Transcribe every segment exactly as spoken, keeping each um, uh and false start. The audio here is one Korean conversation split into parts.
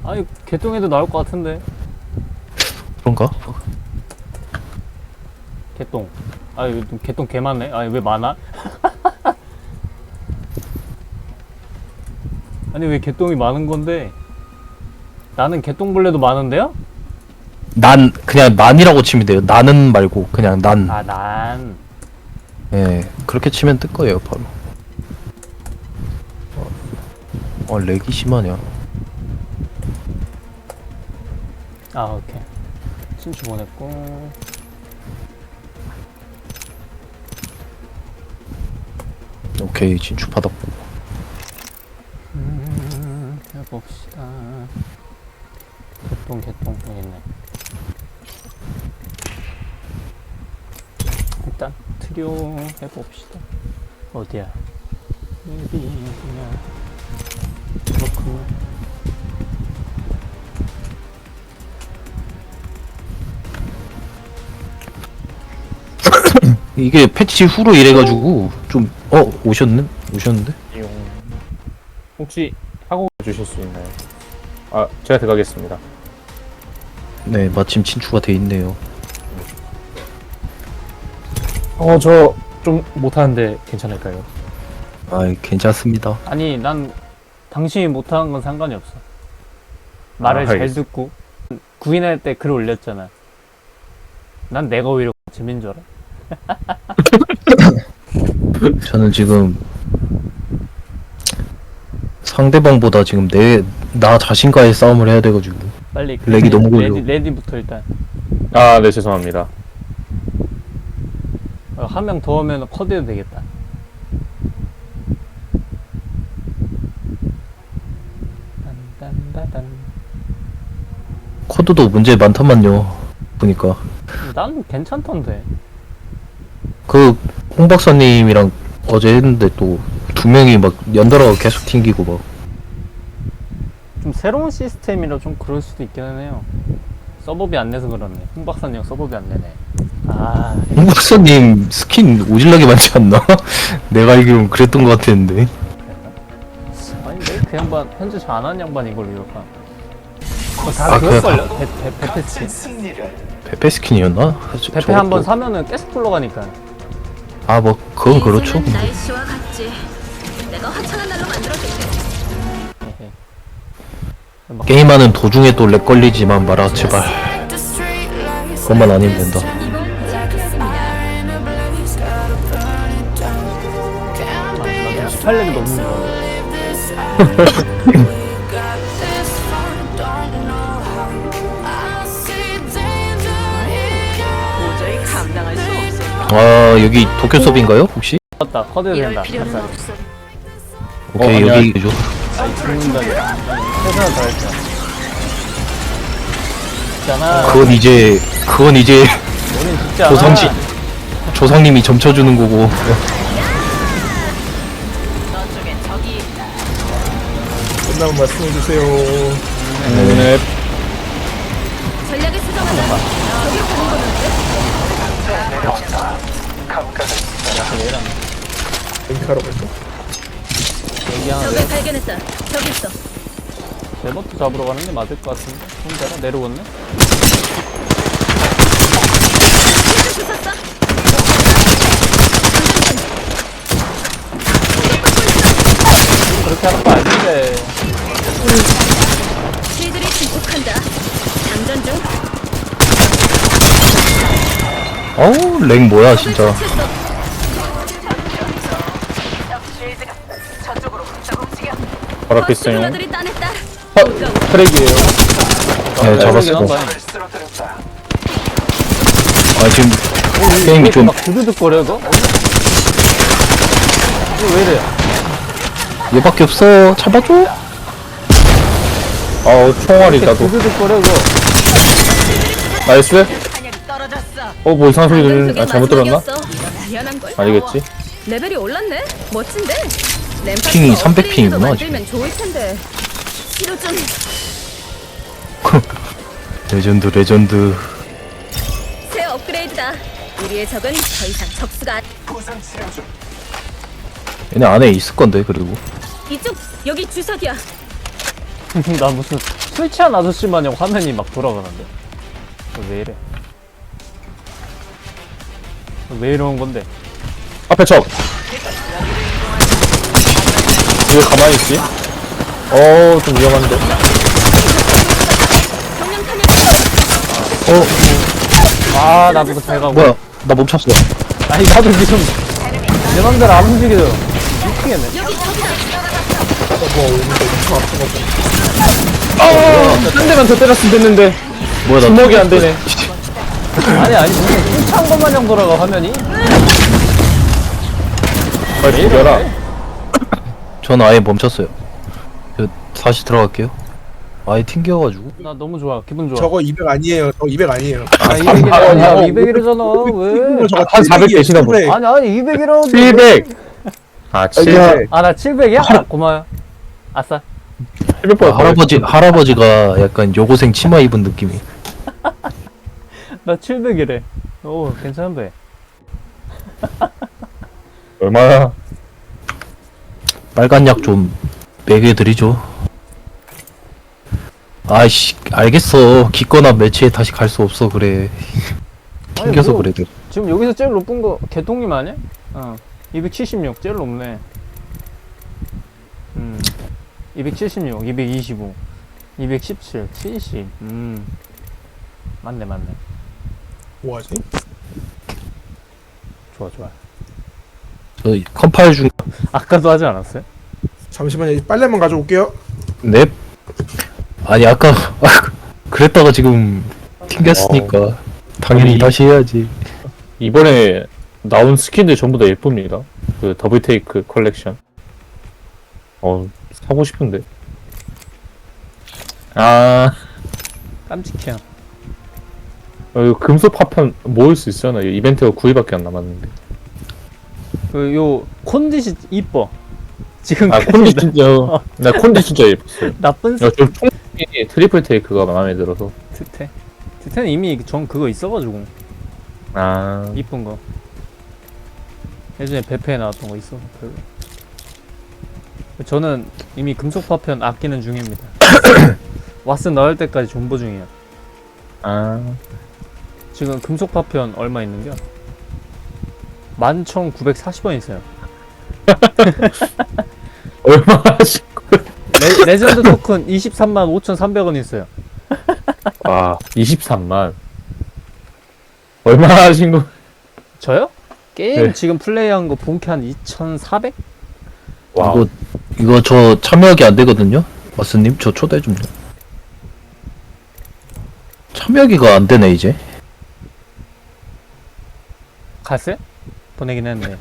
아니 개똥에도 나올 것 같은데. 그런가? 개똥. 아유 개똥 개 많네. 아니 왜 많아? 아니 왜 개똥이 많은 건데? 나는 개똥벌레도 많은데요? 난 그냥 난이라고 치면 돼요. 나는 말고 그냥 난. 아 난. 예, 그렇게 치면 뜰 거예요 바로. 어, 어 렉이 심하냐? 아 오케이. 친추 보냈고. 오케이 진출 받았고. 음, 해봅시다. 개똥 개똥 여기 있네. 일단 트리오 해봅시다. 어디야? 여기 어디냐? 그렇군요. 이게 패치 후로 이래가지고 좀 어 오셨네? 오셨는데? 이용 혹시 하고 주실 수 있나요? 아 제가 들어가겠습니다. 네 마침 친추가 돼 있네요. 어 저 좀 못하는데 괜찮을까요? 아 괜찮습니다. 아니 난 당신이 못하는 건 상관이 없어. 말을 아, 잘 알겠어. 듣고 구인할 때 글 올렸잖아. 난 내가 오히려 재민 줄 알아. 저는 지금 상대방보다 지금 내 나 자신과의 싸움을 해야 돼가지고 빨리 그 렉이 레디, 너무 걸려. 레디, 레디부터 일단 아 네 죄송합니다. 어, 한 명 더 오면 컷해도 되겠다. 딴딴따단. 코드도 문제 많단만요. 보니까 난 괜찮던데. 그 홍 박사님이랑 어제 했는데 또 두 명이 막 연달아 계속 튕기고 막. 좀 새로운 시스템이라 좀 그럴 수도 있긴 해요. 서버비 안 내서 그렇네. 홍 박사님 서버비 안 내네. 아, 홍 박사님 스킨 오질나게 많지 않나? 내가 알기론 그랬던 것 같았는데. 아니 왜그 양반 편집 잘 안 하는 양반 이걸 이렇게. 어, 다 아, 그럴걸요? 배, 배, 베페 스킨. 페페 스킨이었나? 저- 베페 저것도- 한 번 사면은 계속 굴러가니까. 아, 뭐 그건 그렇죠. 인생은 날씨와 같지. 내가 화창한 날로 만들어줄게. 에헤. 막 게임하는 도중에 또 렉 걸리지만 마라 제발. 그것만 아니면 된다. 이번 시작했습니다. 나도 십팔 렙이 너무 힘들어. 도저히 감당할 수 없을 아 여기 도쿄 서비인가요 혹시? 맞다. 컷해도 이럴 된다. 필요는 뱃살이. 없어. 오케이 어, 여기 죠 아니 죽는다니. 최선을 다했죠. 있잖아. 그건 이제 그건 이제 우린 죽지 않아. 조상지 조상님이 점쳐주는 거고. 너쪽에 적이 있다. 끝나면 말씀해 주세요. 네. 전략을 수정하자. 저기로 가는 거는데? 얘랑 링크하러 갈까? 얘기하는데 적을 발견했다. 저기 있어. 제버트 잡으러 가는 게 맞을 것 같은데. 혼자라 내려오네. 주웠어? 그렇게 하는 거 아닌데. 실들이 증폭한다. 장전 중. 어우 렉 뭐야 진짜. 적을 처치했어. 바로 앞에 있어요. 누나들이 따냈다. 어 트랙이에요. 네 잡았어. 한다. 아 지금 게임이 좀 막 두두둑거려 이거? 이거 왜 이래? 얘밖에 없어. 잡아줘. 아우 총알이 나도. 두두둑거려 이거. 나이스. 탄약이 떨어졌어. 어 뭐 이상한 소리 방금 들리는. 그게 아 잘못 들었나? 마지막이었어. 당연한 걸. 아니겠지? 레벨이 올랐네. 멋진데. 램파스가 핑이 삼백 업그레이드도 핑이구나, 만들면 좋을 텐데. 치료 좀. 레전드 레전드. 새 업그레이드다. 우리의 적은 더 이상 적수가 안- 얘네 안에 있을 건데 그리고. 이쪽 여기 주석이야. 나 무슨 술 취한 아저씨 마냥 화면이 막 돌아가는데. 어, 왜 이래? 어, 왜 이러는 건데? 앞에 적. 왜 가만히 있지? 어, 좀 위험한데. 어 아, 나도 잘 가고. 뭐야 나 멈췄어. 아니, 나도 지금 내 맘대로 안 움직여. 미치겠네. 한 대만 더 때렸으면 됐는데. 뭐야 나 주먹이 안 되네. 아니, 아니, 무슨 술 취한 것 마냥 돌아가, 화면이? 빨리 죽여라. 전 아예 멈췄어요. 저 다시 들어갈게요. 아예 튕겨가지고. 나 너무 좋아. 기분 좋아. 저거 이백 아니에요. 저거 이백 아니에요. 아, 이백이래. 아니야, 이백이래잖아. 왜? 저거 한 사백 되시나 보다. 칠백. 아니, 아니, 이백이라고. 칠백. 아, 칠백. 아, 나 칠백이야? 아, 고마워요. 아싸. 칠백 아, 번. 할아버지 할아버지가 약간 여고생 치마 입은 느낌이. 나 칠백이래. 오, 괜찮은데. 얼마나? 빨간 약 좀 먹여드리죠. 아이씨 알겠어. 기꺼나 매치에 다시 갈 수 없어 그래. 튕겨서 뭐, 그래. 내가. 지금 여기서 제일 높은 거 개똥님 아니야? 어. 이백칠십육 제일 높네. 음. 이백칠십육, 이백이십오, 이백십칠, 칠십. 음. 맞네, 맞네. 뭐하지? 좋아, 좋아. 저 컴파일 중. 아까도 하지 않았어요? 잠시만요. 빨래만 가져올게요. 넵. 아니 아까 그랬다가 지금 튕겼으니까 당연히 아니, 다시 해야지. 이번에 나온 스킨들 전부 다 예쁩니다. 그 더블 테이크 컬렉션. 어, 사고 싶은데. 아, 깜찍해요. 어, 이거 금속 파편 모을 수 있잖아. 이 이벤트가 구 일밖에 안 남았는데. 그, 요, 콘디시 이뻐. 지금 아, 콘디 진짜, 나 콘디 진짜 예뻤어요. 나쁜 야, 저 총이 트리플 테이크가 마음에 들어서. 스테. 스테는 이미 전 그거 있어가지고. 아, 이쁜 거. 예전에 베페에 나왔던 거 있어. 별로. 저는 이미 금속 파편 아끼는 중입니다. 왓슨 나올 때까지 존버 중이야. 아, 지금 금속 파편 얼마 있는겨? 만 천구백사십 원 있어요. 얼마 하신 거예요? 레, 레전드 토큰 이십삼만 오천삼백 원 있어요. 아, 이십삼만. 얼마 하신 거? 저요? 게임 네. 지금 플레이한 거 본캐 한 이천사백? 와, 이거 이거 저 참여하기 안 되거든요. 마스님 저 초대 좀요. 참여하기가 안 되네 이제. 갔어요? 보내긴 했네.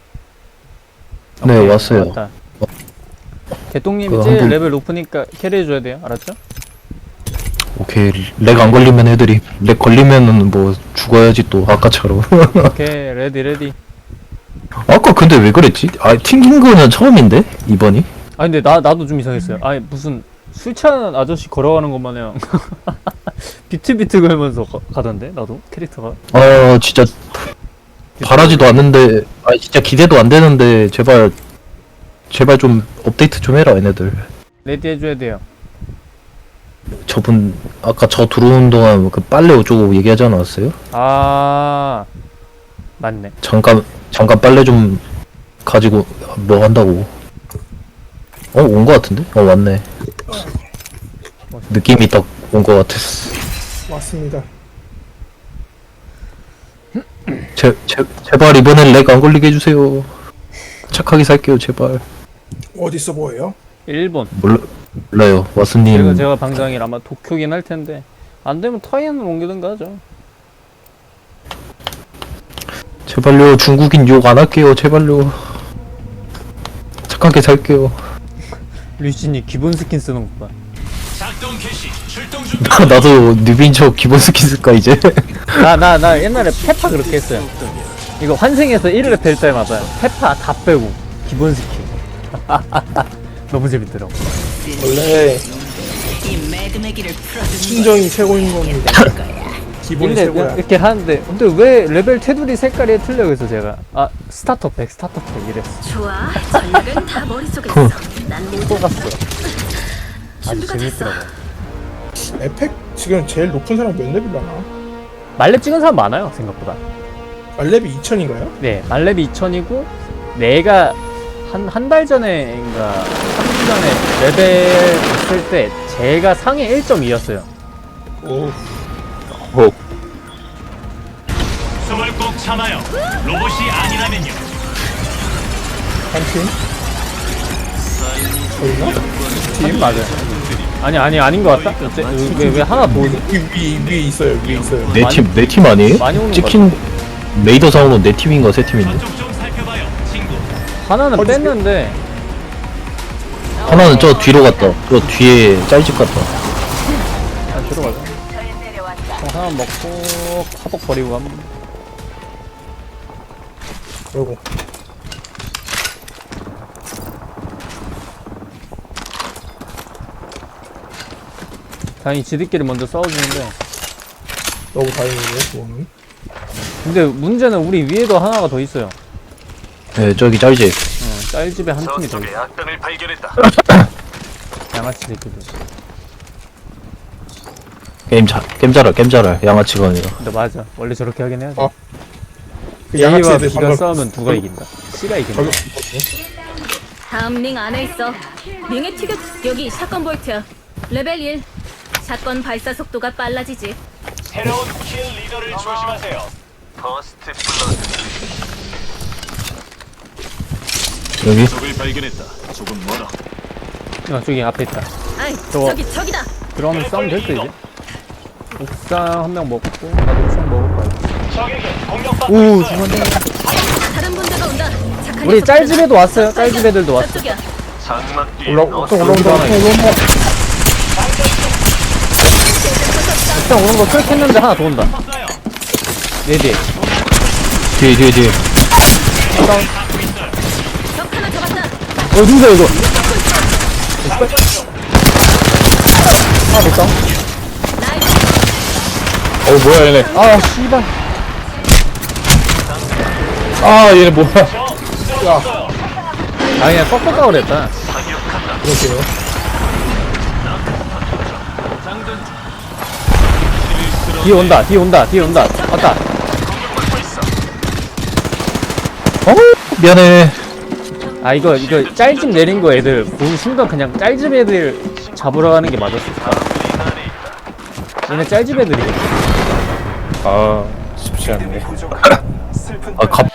네, 오케이, 왔어요. 왔다. 개똥님이 그거 제일 한번- 레벨 높으니까 캐리해줘야 돼요. 알았죠? 오케이 렉 안 걸리면 애들이 렉 걸리면은 뭐 죽어야지 또 아까처럼. 오케이, 레디 레디. 아까 근데 왜 그랬지? 아 튕긴 거는 처음인데 이번이? 아 근데 나 나도 좀 이상했어요. 아니 무슨 술 취한 아저씨 걸어가는 것 마냥 비트비트 걸면서 가, 가던데 나도 캐릭터가. 아 진짜 바라지도 않는데 아 진짜 기대도 안 되는데 제발 제발 좀 업데이트 좀 해라 얘네들. 레디 해줘야 돼요. 저분 아까 저 들어오는 동안 그 빨래 어쩌고 얘기하지 않았어요? 아 맞네. 잠깐 잠깐 빨래 좀 가지고 뭐 한다고. 어 온 거 같은데? 어 왔네. 느낌이 딱 온 거 같았어. 왔습니다. 제, 제, 제발 이번엔 렉 안 걸리게 해주세요. 착하게 살게요 제발. 어디 있어 보여요? 일본. 몰라, 몰라요 와스님. 제가 제가 방장이라 아마 도쿄긴 할 텐데 안 되면 타이안으로 옮기든가 하죠. 제발요 중국인 욕 안 할게요 제발요. 착하게 살게요. 류진이 기본 스킨 쓰는 것 봐. 나도 뉴비인 척 기본 스킨 쓸까 이제. 나 나 나 옛날에 페파 그렇게 했어요. 이거 환생해서 일 렙 될 때마다 페파 다 빼고 기본 스킨. 너무 재밌더라고. 원래 순정이 최고인 겁니다. 기본이 근데 최고야. 이렇게 하는데 근데 왜 레벨 테두리 색깔이 틀려? 그래서 제가 아 스타터 백 스타터 백 이랬어. 좋아. 전략은 다 머릿속에 있어. 난 모두 또 갔어. 아주 준비가 됐어. 재밌더라고. 에펙 지금 제일 높은 사람 몇 레벨이나? 말렙 찍은 사람 많아요 생각보다. 말렙이 이천인가요? 네, 말렙이 이천이고 내가 한 한 달 전에인가 삼 주 전에 레벨 됐을 때 제가 상위 일 점 이였어요. 오, 어, 숨을 꼭 참아요. 로봇이 아니라면요. 한 팀? 저희나? 팀 맞아요. 아니 아니 아닌 것 같다. 왜왜 왜 하나 더 오지? 위, 위, 위에 있어요, 위에 있어요. 내 팀 내 팀 아니에요? 많이 오는 찍힌 레이더상으로 내 팀인가 세 팀인데 저쪽 좀 살펴봐요, 친구. 하나는 어디 뺐는데 하나는 저 뒤로 갔다. 저 뒤에 짤집 갔다. 그냥 들어가자. 어, 하나 먹고 화복 버리고 가면. 그리고 다행히 지들끼리 먼저 싸워주는데. 너무 다행이네요, 그거는. 근데 문제는 우리 위에도 하나가 더 있어요. 네 저기 짤집. 어, 짤집에 한 팀이 더 있어. 악당을 발견했다. 양아치 새끼들. 게임 잘 게임 잘할 게임 잘할 양아치가 아니라. 근데 맞아. 원래 저렇게 하긴 해야 돼. 어. 그 A와 양아치들 B가 방금 싸우면 누가 이긴다? C가 이긴다. 저기 다음 링 안에 있어. 링의 티격 여기 샷건 볼트야. 레벨 일. 샷건 발사 속도가 빨라지지. 새로운 킬 리더를 조심하세요. 퍼스트 블러드. 여기 적을 발견했다. 조금 멀어. 어, 저기 앞에 있다. 아이, 저거. 저기 저기다. 들어가면 싸우면 될 듯 이제. 옥상 한 명 먹고 나도 옥상 먹을 거야. 적에게 공격받고 오 있어요. 죽었네. 다른 분대가 온다. 착한 우리 녀석들은 짤집에도 왔어요. 적발견. 짤집애들도 왔어. 저쪽이야. 장막 뒤에 올라, 또 올라온다, 또 여기도 하나 올라온다. 옥상 오는 거 클릭했는데 하나 더 온다. 네 대. 뒤에 뒤에 뒤에. 적 하나 잡았다. 어 누구야 이거? 하나 더 싸. 나이스. 어 뭐야 얘네. 아 씨발. 아 얘네 뭐야. 아 그냥 꺾을까 그랬다. 그러게요. 뒤에 온다. 뒤에 온다. 뒤에 온다. 왔다. 어 미안해. 아 이거 이거 짤집 내린 거 애들 보는 순간 그냥 짤집 애들 잡으러 가는 게 맞았을까? 얘네 짤집 애들이. 아 쉽지 않네. 아 갑